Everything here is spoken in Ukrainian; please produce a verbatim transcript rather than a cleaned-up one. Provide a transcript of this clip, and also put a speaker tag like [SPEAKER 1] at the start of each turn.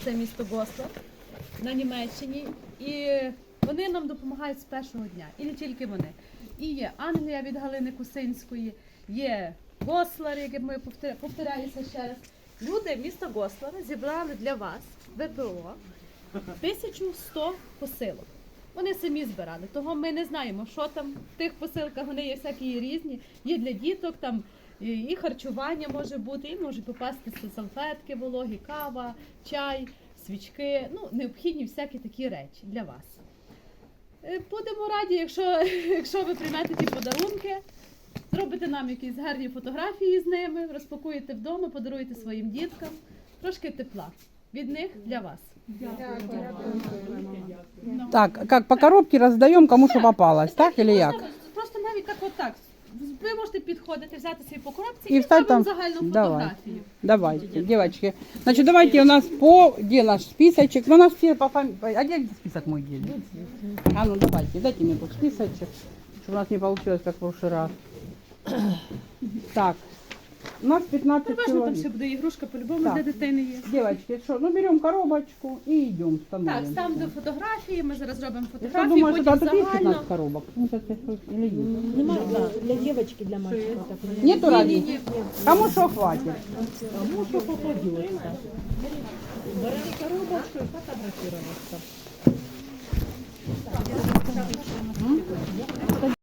[SPEAKER 1] це місто Гослав на Німеччині. І вони нам допомагають з першого дня. І не тільки вони. І є Англія від Галини Кусинської, є Гослар, яке ми повтор- повторяюся ще раз. Люди міста Гослава зібрали для вас, ВПО, тисячу сто посилок. Вони самі збирали, того ми не знаємо, що там в тих посилках, вони є всякі різні. Є для діток, там і і харчування може бути, і можуть попастися салфетки вологі, кава, чай, свічки, ну, необхідні всякі такі речі для вас. Е, Будемо раді, якщо, якщо ви приймете ті подарунки, зробите нам якісь гарні фотографії з ними, розпакуєте вдома, подаруєте своїм діткам. Трошки тепла від них для вас.
[SPEAKER 2] Так, как по коробке раздаем, кому что попалось, так или як?
[SPEAKER 1] Можна Просто навіть так отак. Ви можете підходити, взяти свої по коробці
[SPEAKER 2] І
[SPEAKER 1] і
[SPEAKER 2] встать
[SPEAKER 1] зробимо
[SPEAKER 2] там.
[SPEAKER 1] загальну
[SPEAKER 2] Давай.
[SPEAKER 1] фотографію.
[SPEAKER 2] Давайте, девочки. Значит, давайте у нас по, где наш списочек? Ну, у нас все по фамилии. А где список мой есть? А ну давайте, дайте мне тут списочек, чтобы у нас не получилось, как в прошлый раз. Так, у нас пятнадцать
[SPEAKER 1] Переважно там ще
[SPEAKER 2] человек.
[SPEAKER 1] буде ігрушка, по-любому
[SPEAKER 2] Так.
[SPEAKER 1] для дитини є.
[SPEAKER 2] Девочки, что, ну берем коробочку и идем,
[SPEAKER 1] Так,
[SPEAKER 2] становимся.
[SPEAKER 1] там до фотографії, ми зараз робимо
[SPEAKER 2] Я что,
[SPEAKER 1] фотографії,
[SPEAKER 2] думаю, что
[SPEAKER 1] потім
[SPEAKER 2] там тут есть
[SPEAKER 1] загально.
[SPEAKER 2] пятнадцать коробок? Ну, это это или есть?
[SPEAKER 3] Нема, да, для девочки, для мальчика. Так,
[SPEAKER 2] Нету
[SPEAKER 1] Ні,
[SPEAKER 2] разницы?
[SPEAKER 1] ні.
[SPEAKER 2] Кому что хватит?
[SPEAKER 3] кому что попадется. Бери коробочку и фотографироваться.